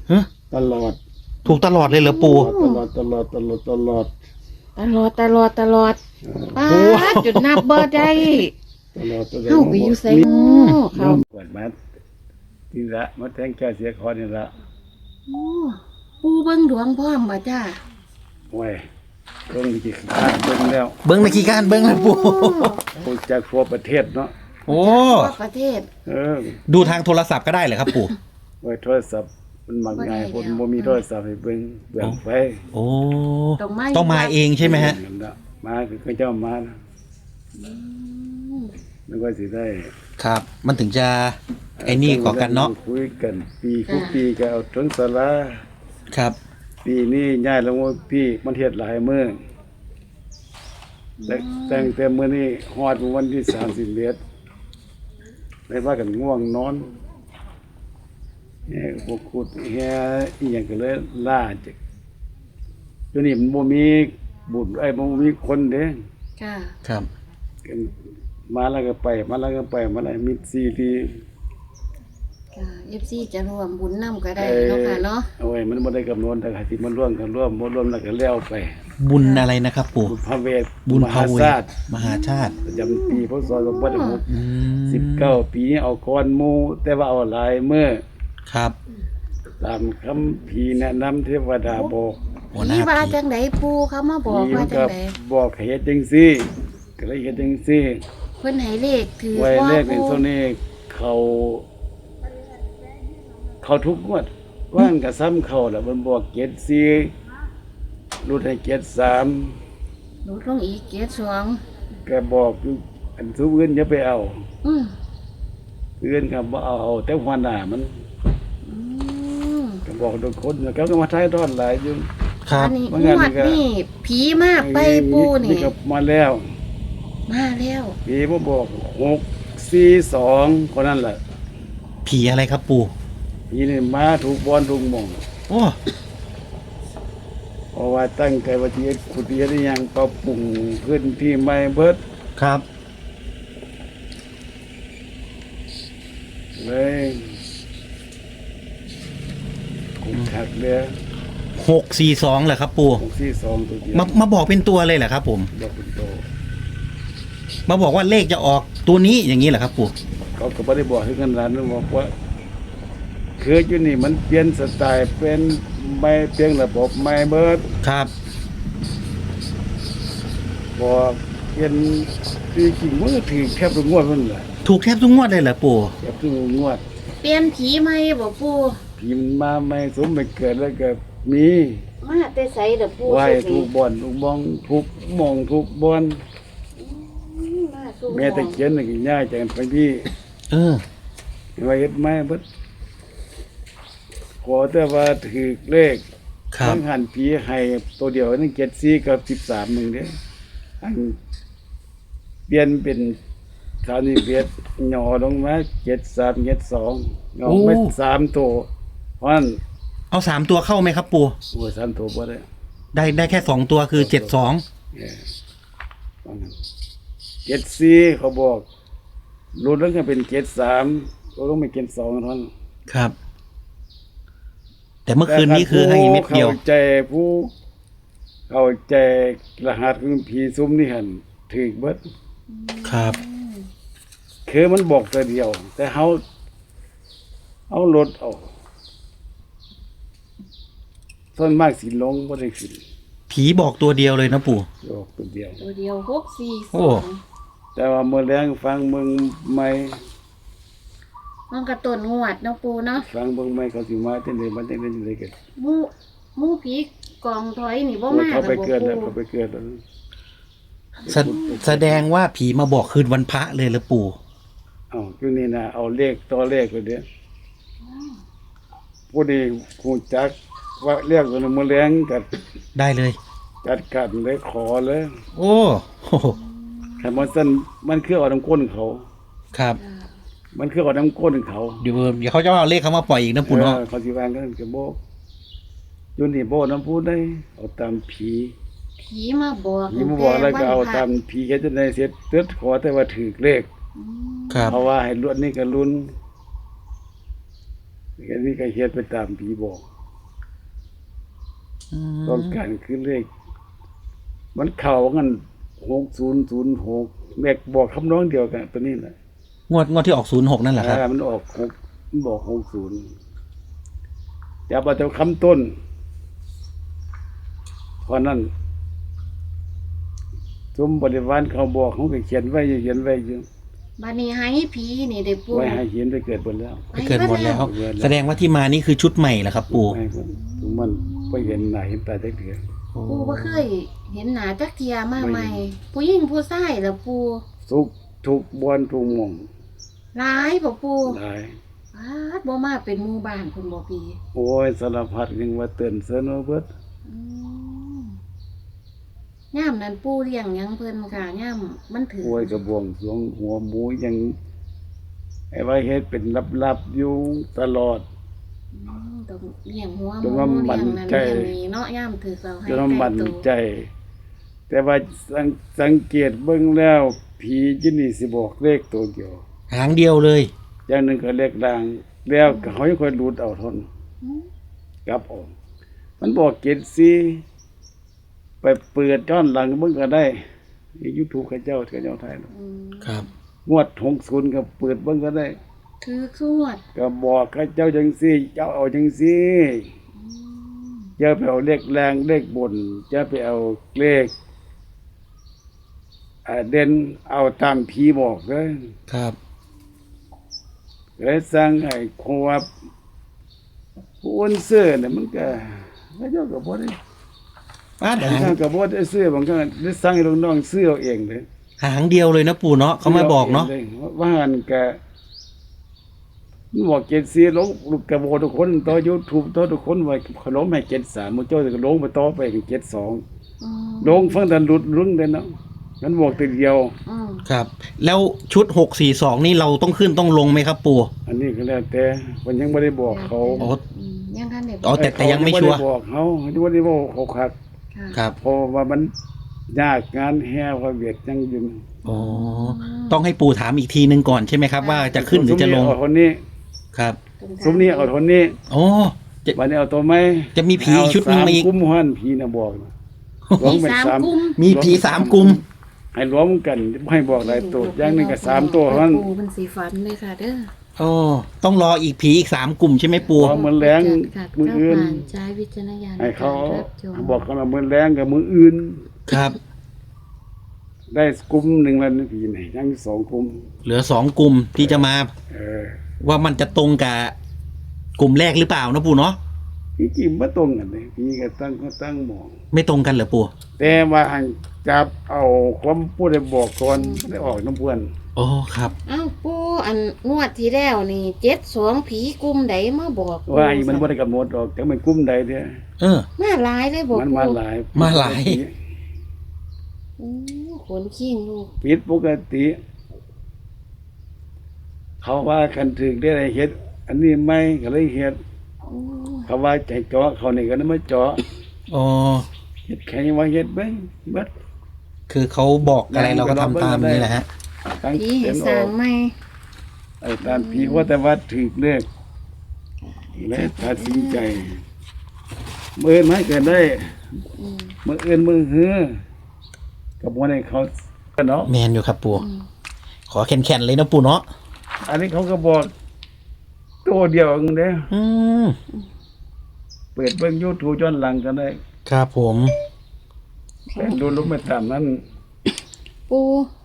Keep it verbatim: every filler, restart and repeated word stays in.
ฮะตลอดถูกตลอดเลยเหรอปู่ตลอดตลอดตลอดตลอดตลอดตลอดตลอดเออป้าดจุดนับบ่ได้ตลอดตลอดเข้าไปอยู่ไสโอ้เขาเปิดมาทีละมาแทงแก้เสียคอนี่ละโอ้ปูเบิ่งดวงพร้อมบ่จ้าโอ้ยเบิ่งกี่ข้างเบิ่งแล้วเบิ้งในกี่การเบิ้งเลยปู่โอ้จากทั่วประเทศเนาะโอ้ทั่วประเทศเออดูทางโทรศัพท์ก็ได้เหรอครับปู่ไว้โทรศัพท์มันมักง่ายบ่คได้นแล้วบ่มีโทรศัพท์ให้เบิ่งเบิ่งไฟโอ้ต้องมาต้องมาเองใช่ไหมฮะนั่นล่มาคือเขาเจ้ามานะอืมนึกว่าสิได้ครับ มันถึงจะไอ้นี่ก่อกันเนาะคุยกันปีทุกปีก็เอาถึงศาลาครับปีนี้ย้ายลงว่าพี่มันเฮ็ดหลายมื้อแต่แต่งแต่มื้อนี้ฮอดวันที่สามสิบเอ็ดได้ว่ากันง่วงนอนแฮ่พวกขุดแฮ่อีหยังก็เลยล่าจักเดี๋ยวนี้มันบ่มีบุญไอ้ยบ่มีคนเด้ค่ะครับกันมาแล้วก็ไป มาแล้วก็ไปมาแล้วมิดซีรีค่ะ เอฟ ซี จะร่วมบุญนำก็ได้เนาะค่ะเนาะเอาไว้มันบ่ได้กำหนดแต่ก็สิมันร่วมกันร่วมบ่ร่วมแล้วก็แล้วไปบุญอะไรนะครับปู่บุญพระเวทบุญมพาหาเวศาสตร์มหาชาติประจำปีพศสองพันห้าร้อยหกอืมสิบเก้าปีนี้เอาก่อนหมู่แต่ว่าเอาหลายมื้อครับตามคำพีร์แนะนำเทวดาบอกหัวหน้านี่ว่าผีจังไดปูเขามาบอกผีว่ามันจัก็งไดบอกให้เฮ็ดจังซี่ก็เลยเฮ็ดจังซี่เพิ่นให้เลขถือไว้ว่าเลขในปูโซนนี้เขาเขาทุกงวดว่างก็ซ้ำเขาแล้วมันบอกเจ็ดสี่รุดให้เจ็ดสามลดลงอีกเกียรติสองก็บอกอยู่อันทุกอื่นอย่าไปเอาอืมอื่นก็บ่เอาเอาแต่หัวหน้ามันอืมก็บอกทุกคนแล้วก็มาท้ายทอดหลายอยู่ครับอันนี้ว่าง งานวนี่ดก็นี่ผีมากไปปูนี่ก็มาแล้วมาแล้วผีมาบอกหกสี่สองคนนั้นแหละผีอะไรครับปู่ผีนี่มาถูกบอลถูกหมองโอ้เพราะว่าตั้งใจว่าที่ขุดเรียนยังปรับปรุงพื้นที่ใหม่เบิดครับเลยขุดขัดเลยหกสี่สองเหรอครับปู่หกสี่สองตัวเดียวมามาบอกเป็นตัวเลยเหรอครับผมบอกเป็นโตมาบอกว่าเลขจะออกตัวนี้อย่างนี้เหรอครับปู่เขาก็ไม่ได้บอกถึงขนาดนั้นบอกว่าคืออยู่นี่มันเปลี่ยนสไตล์เป็นไม่เปลี่ยนระบบไม่เบิดครับบอกเป็นที่จริงมันก็ถือแคบทุกงวดมันแหละถูกแทบทุกงวดเลยเหรอปู่แคบทุกงวดเปลี่ยนผีใหม่บ่ปูผีมันมาไม่สมไม่เกิดแล้วก็มีมาแต่ไสเด้อปูไหวสุดทุนี่กบ่อนทุกบ้องทุกหมองทุกบอนอืมมาสู่แม่ตะเคียนนี่ก็ย้ายจากกันไปที่เออไว้เฮ็ดไม้เบิดขอแต่ว่าถือเลขครับทั้งหันผีให้ตัวเดียวนั่นเจ็ดสี่กับสิบสามหนึ่งเด้ออันเปลี่ยนเป็นสามสิบเอ็ดหย่อลงมาเจ็ดสามเจ็ดสองหย่อไปสามตัวเพราะฉะนั้นเอาสามตัวเข้าไหมครับปู่ตัวสามตัวบ่ได้ได้ได้แค่สองตัวคือเจ็ดสองเจ็ดสี่เขาบอกรุดแล้วก็เป็นเจ็ดสามก็ต้องเป็นเจ็ดสองเท่านั้นครับ แต่เมื่อคืนนี้คือให้เม็ดเดียวเข้าใจผู้เข้าใจรหัสของผีซุ้มนี่หันถือเบิดครับคือมันบอกตัวเดียว แต่เขาเอารถเอาส่วนมากสิลงบ่ได้ขึ้นผีบอกตัวเดียวเลยนะปู่บอกตัวเดียวตัวเดียวหกสี่สโอ้องแต่ว่าเมื่อแรงฟังเมืองใหม่มันกระต้นงวดเนาะปูเนาะฟังเมืองใหม่เขาสิมาจังได๋มันจังได๋จังได๋กันหมูหมูผีกองถอยนี่บ่มาเขาไปบ่เกิดแล้วปูเขาไปเกิดแล้วแสแสดงว่าผีมาบอกคืนวันพระเลยเหรอปู่เอาอยู่นี่นะเอาเลขตัวเลขไปเด้อผู้ดีคงจักว่าเรียกตัวนี้มื้อแรงก็ได้เลยจัดการเลยขอเลยโอ้โหแต่มันสั่นมันคือเอาน้ำก้นเขาครับมันคือเอาน้ำก้นเขาเดี๋ยวเดี๋ยวเขาจะเอาเลขเขามาปล่อยอีกนะปู่เนาะเออเขาสิวางกันก็บ่อยู่นี่บ่น้ำพูดได้เอาตามผีผีมาบอกผีมาบอกแล้วก็เอาตามผีเฮ็ดจังได๋เสร็จตึดขอแต่ว่าถูกเลขครับเพราะว่าให้ลุ้นนี่ก็ลุ้นอันนี้ก็เฮ็ดไปตามผีบอกอืมต้องการคือเลขมันเข่ากันหกศูนย์ศูนย์หกเลขบอกคำน้องเดียวกันตัวนี้แหละงวดงวดที่ออกศูนย์หกนั่นแหละครับอ่ามันออกหกมันบอกหกศูนย์จะเอาแต่คำต้นเพราะนั้นสมบริวารเขาบอกเขาก็เขียนไว้อยู่เขียนไว้อยู่บัดนี้ให้ผีนี่ได้ปูไว้ให้เขียนไปเกิดบนแล้วไปเกิดหมดแล้วไปเกิดแล้วแสดงว่าที่มานี่คือชุดใหม่เหรอครับปู่ให้คนทุกมันไปเห็นหน้าเห็นตาได้เถื่อโอ้ปูบ่เคยเห็นหน้าจักเทียมาใหม่ ผู้หญิงผู้ชายล่ะปูทุกทุกบอนทุกหม่องหลายบ่ปูหลายปาดบ่มาเป็นหมู่บ้านคุณบ่ปีโอ้ยสารพัดยังว่าเตือนเสนอเบิดอืมย่ามนั้นปูเลี้ยงหยังเพิ่นค่ะย่ามมันถือโอ้ยกระบวงสรวงหัวหมูยังไอ้ว่าเฮ็ดเป็นลับๆอยู่ตลอดอืมต้องเลี้ยงหัวหจมูนว่ามันเลี้ยงนั้นใจเลี้ยงนี้เนาะย่ามถือเราให้จนว่ามันใกล้ใจ แต่ว่าสังสังเกตเบิ่งแล้วผีจินี่สิบอกเลขตัวเดียวหางเดียวเลยอย่างหนึงก็เลขดังแล้วก็เขายังค่อยหลุดเอาทนอืมกลับออกมันบอกเกตซีไปเปิดย้อนหลังมึงก็ได้ใน YouTube เขาเจ้าเขาเจ้าไทยอืมครับงวดหกศูนย์ก็เปิดเบิ่งก็ได้ถือสวดก็บอกเขาเจ้าจังซี่เจ้าเอาจังซี่อืมอย่าไปเอาเลขแรงเลขบนอย่าไปเอาเลขอ่าเด่นเอาตามผีบอกเด้อครับเลยสร้างให้คงว่าผู้อ้วนเสื้อเนี่ยมันก็เขาเจ้าก็บ่ได้ป้าดบางหางครั้งก็บ่ได้ซื้อบางครั้งได้สั่งให้น้องๆซื้อเอาเองเลยหางเดียวเลยนะปู่เนาะเขามาบอกเนาะซื้อองลยว่าหันก็มันบอกเจ็ดสี่ลงลูกกระโบทุกคนต่อ YouTube ต่อทุกคนว่าขนมให้เจ็ดสามมื้อเจ้าก็ลงไปต่อไปเจ็ดสองอืมลงฟังแต่หลุดรุ้งแต่เนาะมันบอกแต่เดียวอืมครับ แล้วชุดหกสี่สองนี่เราต้องขึ้นต้องลงไหมครับปู่อันนี้ก็แล้วแต่มันยังบ่ได้บอกเขาอ๋ออืมยังทันได้บอ๋ออก แต่แต่ยังไม่ชัวร์เขาบ่ได้บอกเขายังบ่ได้บอกเขาคักค่ะครับเพราะว่ามันยากงานแห่ว่าเวียดยังอยู่อ๋อต้องให้ปู่ถามอีกทีนึงก่อนใช่ไหมครับ ว่าจะขึ้นหรือจะลงซุมนี้เอาคนนี้ครับซุมนี้เอาคนนี้โอ้จะวันนี้เอาตัวไหมจะมีผีชุดหนึ่งมาอีกเสกุมหันผีน่ะบอกนะรวมมีเป็นสามสามกลุ่มมีผีสามกลุ่มให้รวมกันบ่ให้บอกหลายตัวอย่างหนึงก็สามตัวเท่านั้นปูเป็นสีฟันเลยค่ะเด้อโอ้ต้องรออีกผีอีกสามกลุ่มใช่ไหมปู่พอมื้อแลงค่ะมื้ออื่นผ่านใช้วิจารณญาณให้เขาในกรรับชมบอกกันว่ามื้อแรงกับมื้ออื่นครับได้กลุ่มหนึงแล้วนี่ผีไหนยังสองกลุ่มเหลือสองกลุ่มที่จะมาเออว่ามันจะตรงกับกลุ่มแรกหรือเปล่านะปู่เนาะพี่จิมบ่ตรงกันเลยพี่ก็ตั้งก็ตั้งหมองไม่ตรงกันเหรอปู่แต่ว่าให้จับเอาความผู้ใดบอกก่อนได้ออกน้ำเพื่อนโอ้ครับเอ้าปูอันงวดที่แล้วนี่เจ็ดสองผีกลุ่มใดมาบอกปู่ว่าไอ้มันบ่ได้กำหนดออกแต่มันกลุ่มใดเด้อเออมาหลายเลยบอกมันปูมาหลายมาหลายโอ้ขนขี้งลูกผิดปกติ เขาว่าคันถึงได้เฮ็ด อันนี้ไม่ก็เลยเฮ็ดโอ้เขาว่าใจเจาะเขานี่ก็ได้มาเจาะอ๋อเฮ็ดแค่ว่าเฮ็ดไปเบิดคือเขาบอกอะไรเราก็ทำตามนี่แหละฮะตั้งผีเต็ให้มสอร้าอง กใหม่ไอ้ตามผีว่าแต่ว่าถึกเลขและตัดสินใจมือไม่เกินได้อืมมืออื่นมือหือกับวันให้เขาเนาะแมนอยู่ครับปู่อืมขอแข็งๆเลยนะปู่เนาะอันนี้เขาก็บอกตัวเดียวเองเด้ออืมเปิดเบิ่ง YouTube ย้อนหลังกันได้ครับผมแต่ดูรู้ไม่ตามนั้นปู